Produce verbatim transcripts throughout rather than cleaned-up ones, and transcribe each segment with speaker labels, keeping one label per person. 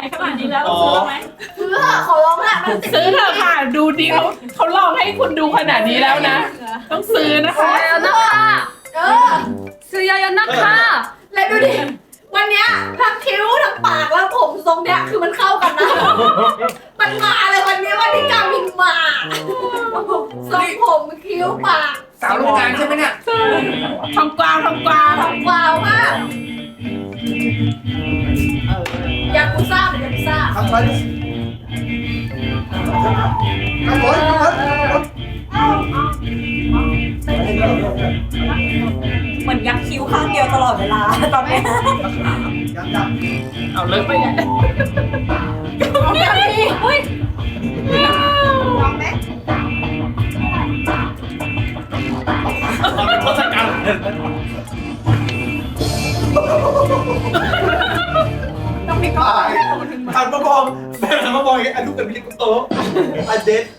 Speaker 1: ขนาดนี้แล้วซื้อไหม
Speaker 2: ซื้อเถอะขอร้องละมัน
Speaker 3: ซื้อเถอะค่ะดูดิเขาเขาลองให้คุณดูขนาดนี้แล้วนะ ต้องซื้อนะคะ
Speaker 4: 수야야 나카
Speaker 2: เออ
Speaker 4: 수야야 나카
Speaker 2: แล้วดูดิวันเนี้ยทั้งคิ้วทั้งปากแล้วผมทรงเนี้ยคือมันเข้ากันนะมันมาเลยวันเนี้ยวันที่กามินมาทรงผมคิ้วปาก
Speaker 5: สาวโรงงานใช่ไหมเนี่ย
Speaker 3: ทองกวาวทองกวาว
Speaker 2: ทำวาวมากยากุซ่าหรือยากุซ่า
Speaker 5: ทำไปทำรถทำรถ
Speaker 1: เหมือนยักคิ้วข้างเดียวตลอดเวลาตอนนี้
Speaker 5: ยังยัง
Speaker 3: เอาเลิกไปไง
Speaker 2: เอาแบบนี้เฮ้ยลองไหม
Speaker 5: ทศกัณฐ์
Speaker 1: ต้องมีก้อน
Speaker 5: หันมามองแม่หันมามองอย่างนี้อันลูกกับพี่ลิกุโตอันเด็ด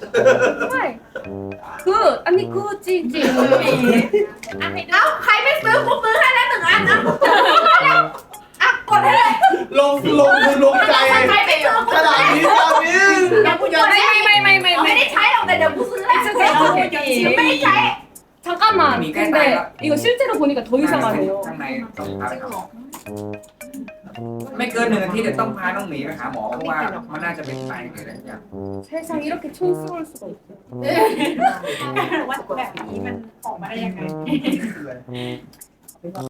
Speaker 4: 굿 아니 굿 찌찌
Speaker 2: เอ้าใครไม่ซื้อกูซื้อให้แล้วหนึ่งอันนะอ่ะกดให้เลย
Speaker 5: ลงลงคือลงใจ
Speaker 2: ใครไม่ซื้อกู
Speaker 5: ข
Speaker 2: ซื้อ
Speaker 5: นาด
Speaker 2: ให้
Speaker 5: นี้ตอนนี้
Speaker 2: เดี๋ยวกูจะไม่ไม่ไม่ไม่ไม่ได้ใช้หรอกแต่เดี๋ยวกูซื้อแหละไม่ได้ใช้
Speaker 4: 잠깐만 근데 이거 실제로 보니까 더 이상하네요
Speaker 6: ข้างในต้องพาไปหาหมอไม่เกินหนึ่งอาทิตย์เดี๋ยวต้องพาน้องหมีไปหาหมอเพราะว่ามันน่าจะเป็นไตหรืออะไรอย่าง
Speaker 4: 세상 이렇게 촌스러울 수가 있어요
Speaker 1: ว่าแบบนี้มันออกมาได้ยังไง